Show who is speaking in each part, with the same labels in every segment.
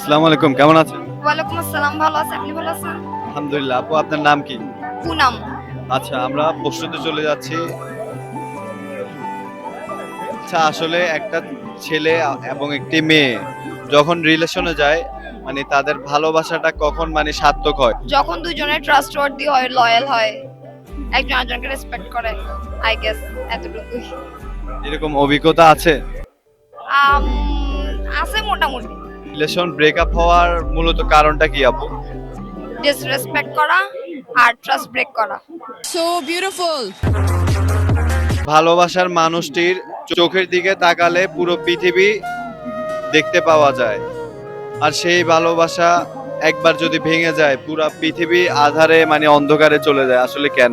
Speaker 1: আসসালামু আলাইকুম, কেমন আছেন?
Speaker 2: ওয়ালাইকুম আসসালাম, ভালো আছি। আপনি ভালো আছেন?
Speaker 1: আলহামদুলিল্লাহ। আপু আপনার নাম কি?
Speaker 2: পুনাম।
Speaker 1: আচ্ছা, আমরা প্রশ্নতে চলে যাচ্ছি। আচ্ছা, আসলে একটা ছেলে এবং একটি মেয়ে যখন রিলেশনে যায়, মানে তাদের ভালোবাসাটা কখন মানে সার্থক হয়?
Speaker 2: যখন দুজনে ট্রাস্টওয়ার্দি হয়, লয়াল হয়, একজন আরেকজনকে রেসপেক্ট করে, আই গেস এতটুকুই।
Speaker 1: এরকম অভিজ্ঞতা আছে?
Speaker 2: আম, আছে মোটামুটি।
Speaker 1: রিলেশন ব্রেকআপ হওয়ার মূলত কারণটা কি আপু?
Speaker 2: ডিসরেসপেক্ট করা আর ট্রাস্ট ব্রেক করা।
Speaker 3: So beautiful.
Speaker 1: ভালোবাসার মানুষটির চোখের দিকে তাকালে পুরো পৃথিবী দেখতে পাওয়া যায়। আর সেই ভালোবাসা একবার যদি ভেঙে যায়, পুরা পৃথিবী আঁধারে মানে অন্ধকারে চলে যায়। আসলে কেন?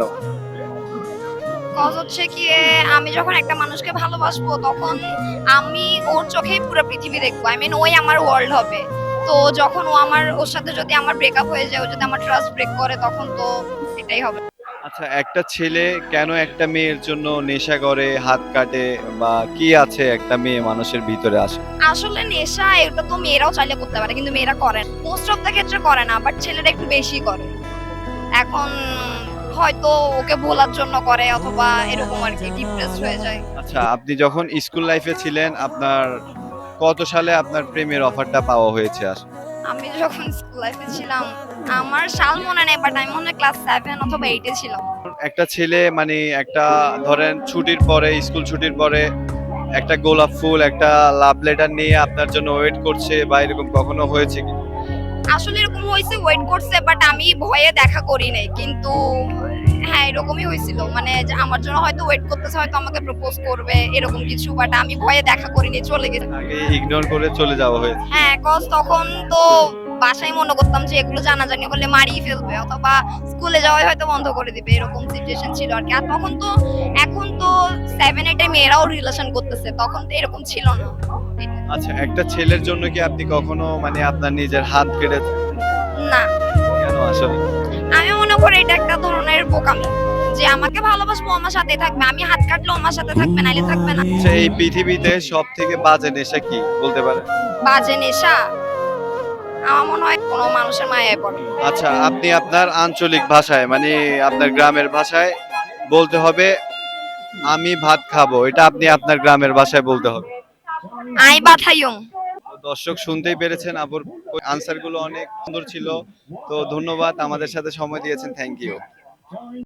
Speaker 2: কজ হচ্ছে কি, আমি যখন একটা মানুষকে ভালোবাসবো তখন আমি ওর চোখেই পুরো পৃথিবী দেখবো। আই মিন ওই আমার ওয়ার্ল্ড হবে। তো যখন ওর সাথে যদি আমার ব্রেকআপ হয়ে যায়, ও যদি আমার ট্রাস্ট ব্রেক করে, তখন তো এটাই হবে।
Speaker 1: আচ্ছা, একটা ছেলে কেন একটা মেয়ের জন্য নেশা করে, হাত কাটে, বা কি আছে একটা মেয়ে মানুষের ভিতরে আসে?
Speaker 2: আসলে নেশা এটা তো মেয়েরাও চাইলে করতে পারে, কিন্তু মেয়েরা করে না, মোস্ট অফ দ্য ক্ষেত্রে করে না, বাট ছেলেরা একটু বেশি করে। এখন হয়তো ওকে ভোলার জন্য করে, অথবা এরকম আর কি, ডিপ্রেসড হয়ে যায়।
Speaker 1: আচ্ছা, আপনি যখন স্কুল লাইফে ছিলেন, আপনার কত সালে আপনার প্রেমের অফারটা পাওয়া হয়েছে আসলে?
Speaker 2: আমি যখন স্কুল লাইফে ছিলাম, আমার সাল মনে নেই, বাট আমি মনে হয় ক্লাস 7 অথবা 8 এ ছিলাম।
Speaker 1: একটা ছেলে মানে একটা, ধরেন ছুটির পরে, স্কুল ছুটির পরে একটা গোলাপ ফুল, একটা লাভ লেটার নিয়ে আপনার জন্য ওয়েট করছে, বা এরকম কখনো হয়েছে কি?
Speaker 2: আসলে এরকম হয়েছে, ওয়েট করছে, বাট আমি ভয়ে দেখা করি নাই, কিন্তু হ্যাঁ এরকমই হয়েছিল, মানে যে আমার জন্য হয়তো ওয়েট করতেছে, হয়তো আমাকে প্রপোজ করবে এরকম কিছু, বাট আমি ভয়ে দেখা করিনি, চলে গেছি।
Speaker 1: আগে ইগনোর করে চলে যাওয়া হয়েছে?
Speaker 2: হ্যাঁ, কজ তখন তো বাসায় মনে করতাম যে এগুলো জানাজানি করলে মারিয়ে ফেলবে, অথবা স্কুলে যাওয়াই হয়তো বন্ধ করে দিবে, এরকম সিচুয়েশন ছিল আর কি। আর তখন তো, এখন তো 7 8 এ মেয়েরাও রিলেশন করতেছে, তখন তো এরকম ছিল না।
Speaker 1: আচ্ছা, একটা ছেলের জন্য কি আপনি কখনো মানে আপনার নিজের হাত কেটে?
Speaker 2: না,
Speaker 1: কেন আসলে?
Speaker 2: আমি মনে করি এটা একটা ধরনের বোকামি, যে আমাকে ভালোবাসবো, আমার সাথে থাকবে, আমি হাত কাটলেও আমার সাথে থাকবে, নাইলে থাকবে না।
Speaker 1: আচ্ছা, এই পৃথিবীতে সব থেকে বাজে নেশা কি বলতে পারেন?
Speaker 2: বাজে নেশা, আমার মনে হয় কোনো মানুষের মায়ায় পড়ে।
Speaker 1: আচ্ছা, আপনি আপনার আঞ্চলিক ভাষায় মানে আপনার গ্রামের ভাষায় বলতে হবে, আমি ভাত খাবো। এটা আপনি আপনার গ্রামের ভাষায় বলতে হবে।
Speaker 2: আই বাথাইয়ং।
Speaker 1: তো দর্শক শুনতেই পেরেছেন, আপুর আনসার গুলো অনেক সুন্দর ছিল। তো ধন্যবাদ, আমাদের সাথে সময় দিয়েছেন। Thank you.